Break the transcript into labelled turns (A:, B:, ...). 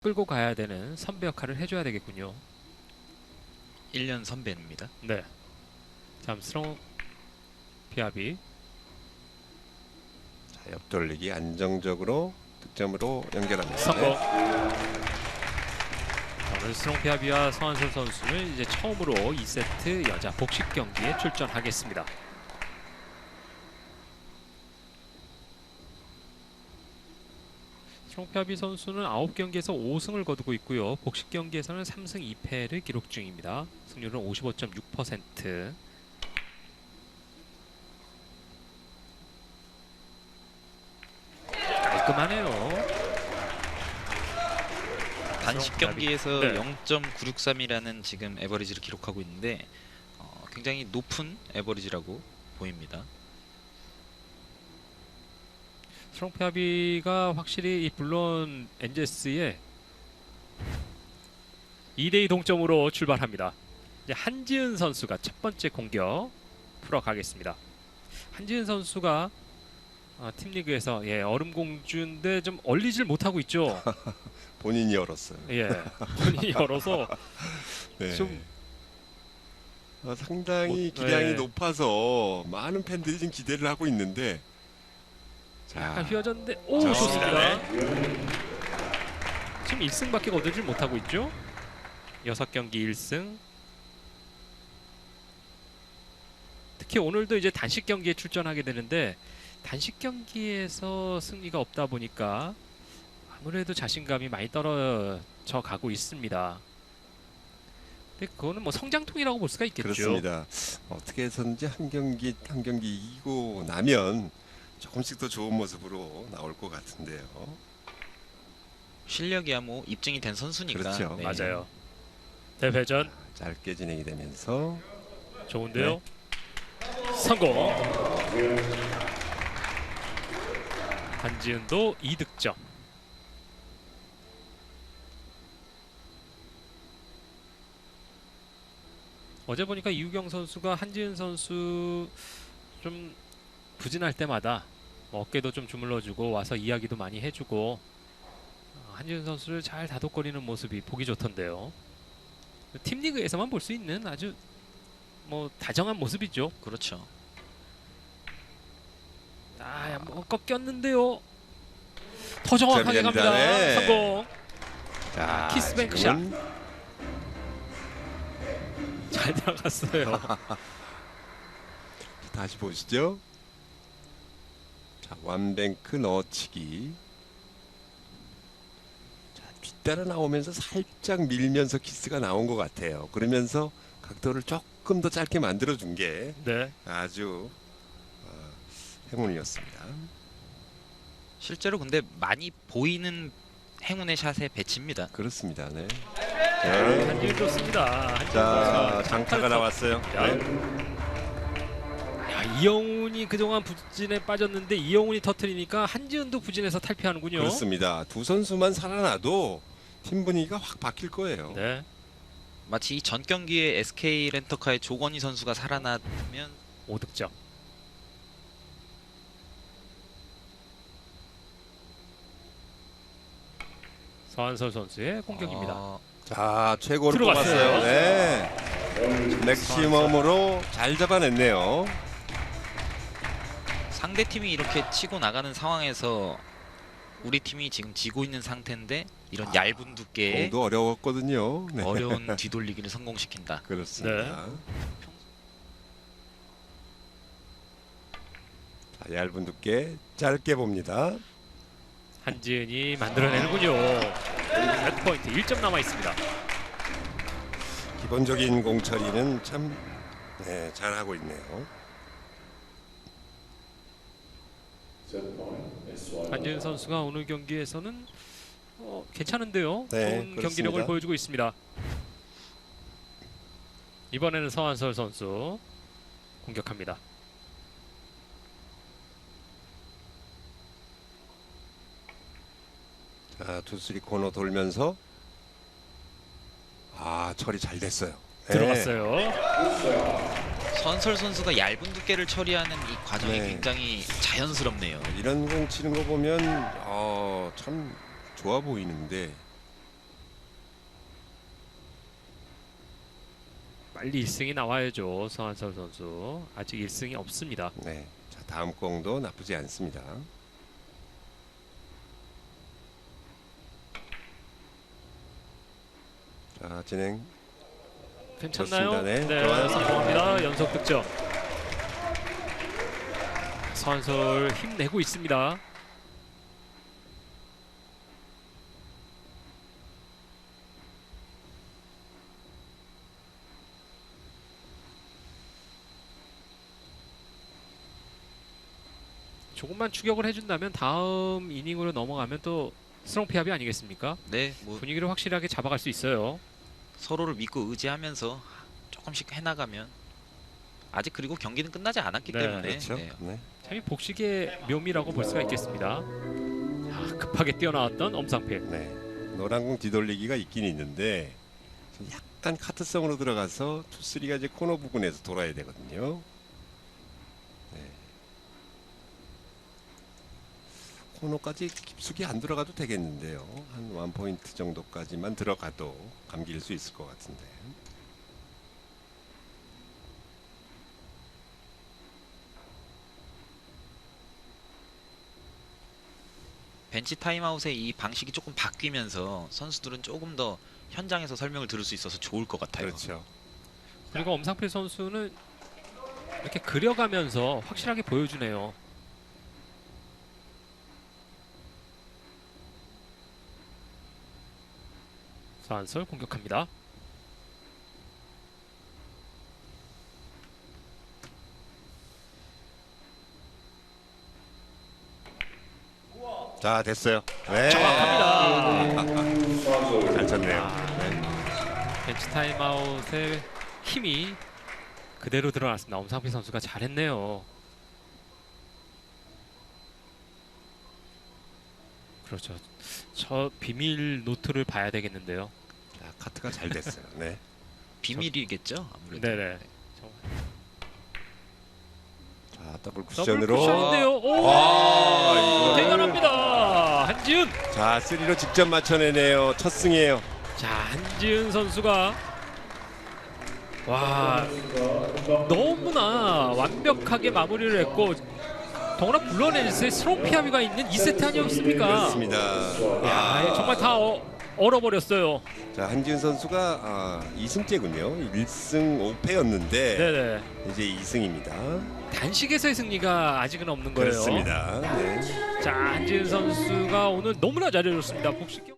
A: 끌고 가야 되는 선배 역할을 해줘야 되겠군요.
B: 1년 선배입니다.
A: 네. 잠스러운 피아비.
C: 자, 옆돌리기 안정적으로 득점으로 연결합니다.
A: 성공.
C: 네.
A: 오늘 스롱 피아비와 서한솔 선수는 이제 처음으로 2세트 여자 복식 경기에 출전하겠습니다. 스롱 피아비 선수는 9경기에서 5승을 거두고 있고요. 복식 경기에서는 3승 2패를 기록 중입니다. 승률은 55.6%. 깔끔하네요.
B: 단식 경기에서
A: 네.
B: 0.963이라는 지금 에버리지를 기록하고 있는데 굉장히 높은 에버리지라고 보입니다.
A: 스롱 피아비가 확실히 물론 엔제스의 2대2 동점으로 출발합니다. 이제 한지은 선수가 첫 번째 공격 풀어가겠습니다. 한지은 선수가 팀리그에서 얼음공주인데 좀 얼리질 못하고 있죠.
C: 본인이 열었어요.
A: 본인이 열어서
C: 네.
A: 좀
C: 상당히 기량이 높아서 많은 팬들이 지금 기대를 하고 있는데
A: 약간 휘어졌는데 오
C: 자,
A: 좋습니다. 지금 1승밖에 거두질 못하고 있죠. 6경기 1승. 특히 오늘도 이제 단식 경기에 출전하게 되는데 단식 경기에서 승리가 없다 보니까 아무래도 자신감이 많이 떨어져 가고 있습니다. 근데 그거는 뭐 성장통이라고 볼 수가 있겠죠.
C: 그렇습니다. 어떻게 해서든지 한 경기 한 경기 이기고 나면 조금씩 더 좋은 모습으로 나올 것 같은데요.
B: 실력이야 뭐 입증이 된 선수니까.
C: 그렇죠.
B: 네.
A: 맞아요. 대회전
C: 짧게 진행이 되면서
A: 좋은데요. 성공. 한지은도 2득점. 어제 보니까 이우경 선수가 한지은 선수 좀 부진할 때마다 어깨도 좀 주물러주고 와서 이야기도 많이 해주고 한지은 선수를 잘 다독거리는 모습이 보기 좋던데요. 팀리그에서만 볼 수 있는 아주 뭐 다정한 모습이죠.
B: 그렇죠.
A: 한번 꺾였는데요. 더 정확하게 갑니다.
C: 네.
A: 성공.
C: 자,
A: 키스백
C: 지금은
A: 잘 들어갔어요.
C: 다시 보시죠. 자, 완뱅크 넣어치기. 자, 뒤따라 나오면서 살짝 밀면서 키스가 나온 것 같아요. 그러면서 각도를 조금 더 짧게 만들어준 게
A: 네.
C: 아주 행운이었습니다.
B: 실제로 근데 많이 보이는 행운의 샷의 배치입니다.
C: 그렇습니다. 네.
A: 한지은 좋습니다. 한지은
C: 자,
A: 선수가
C: 장타가 나왔어요. 네.
A: 이영훈이 그동안 부진에 빠졌는데 이영훈이 터트리니까 한지은도 부진해서 탈피하는군요.
C: 그렇습니다. 두 선수만 살아나도 팀 분위기가 확 바뀔 거예요.
A: 네.
B: 마치 이 전 경기에 SK 렌터카의 조건희 선수가 살아나면
A: 5득점. 서한솔 선수의 공격입니다.
C: 자, 최고로
A: 들어갔어요.
C: 뽑았어요. 네. 맥시멈으로 잘 잡아냈네요.
B: 상대팀이 이렇게 치고 나가는 상황에서 우리 팀이 지금 지고 있는 상태인데 이런 얇은 두께의
C: 공도 어려웠거든요. 네.
B: 어려운 뒤돌리기를 성공시킨다.
C: 그렇습니다. 자, 얇은 두께 짧게 봅니다.
A: 한지은이 만들어내는군요. 세트포인트 1점 남아 있습니다.
C: 기본적인 공 처리는 참 잘하고 있네요.
A: 한지은 선수가 오늘 경기에서는 괜찮은데요.
C: 네,
A: 좋은
C: 그렇습니다.
A: 경기력을 보여주고 있습니다. 이번에는 서한솔 선수 공격합니다.
C: 자, 투쓰리 코너 돌면서 처리 잘 됐어요. 네.
A: 들어갔어요.
B: 선설 선수가 얇은 두께를 처리하는 이 과정이
C: 네.
B: 굉장히 자연스럽네요.
C: 이런 공 치는 거 보면 참 좋아 보이는데
A: 빨리 1승이 나와야죠. 서한솔 선수 아직 1승이 없습니다.
C: 네. 자, 다음 공도 나쁘지 않습니다. 자, 진행.
A: 괜찮나요?
C: 좋습니다. 네,
A: 네,
C: 좋아요.
A: 성공합니다. 연속 득점. 서한솔 힘내고 있습니다. 조금만 추격을 해준다면 다음 이닝으로 넘어가면 또 스트롱 피압이 아니겠습니까?
B: 네, 뭐
A: 분위기를 확실하게 잡아갈 수 있어요.
B: 서로를 믿고 의지하면서 조금씩 해나가면 아직 그리고 경기는 끝나지 않았기
A: 네,
B: 때문에
C: 그렇죠.
B: 네.
C: 네.
A: 참 이 복식의 묘미라고 볼 수가 있겠습니다. 자, 급하게 뛰어나왔던 엄상필.
C: 네. 노란 공 뒤돌리기가 있긴 있는데 좀 약간 카트성으로 들어가서 투쓰리가 이제 코너 부근에서 돌아야 되거든요. 네. 코너까지 깊숙이 안 들어가도 되겠는데요. 한 1포인트 정도까지만 들어가도 감길 수 있을 것 같은데.
B: 벤치 타임아웃의 이 방식이 조금 바뀌면서 선수들은 조금 더 현장에서 설명을 들을 수 있어서 좋을 것 같아요.
C: 그렇죠.
A: 그리고 엄상필 선수는 이렇게 그려가면서 확실하게 보여주네요. 서한솔 공격합니다.
C: 자, 됐어요. 네.
A: 정확합니다.
C: 잘 쳤네요.
A: 아,
C: 네.
A: 벤치 타임아웃의 힘이 그대로 드러났습니다. 엄상필 선수가 잘했네요. 그렇죠. 저 비밀 노트를 봐야 되겠는데요.
C: 자, 카트가 잘 됐어요. 네.
B: 비밀이겠죠, 아무래도.
A: 네네.
C: 자, 더블
A: 더블
C: 쿠션으로.
A: 쿠션인데요. 오!
C: 와, 이거를-
A: 대단합니다. 한지은.
C: 자, 3로 직접 맞춰내네요. 첫 승이에요.
A: 자, 한지은 선수가 와 너무나 완벽하게 마무리를 했고 더구나 블러렌스의 스트롱 피아비가 있는 2세트 아니었습니까?
C: 그렇습니다.
A: 야, 정말 다 얼어버렸어요.
C: 자, 한지은 선수가 2승째군요. 1승 5패였는데
A: 네네.
C: 이제 2승입니다.
A: 단식에서의 승리가 아직은 없는 거예요.
C: 그렇습니다. 네.
A: 자, 한지은 선수가 오늘 너무나 잘해줬습니다. 복식 경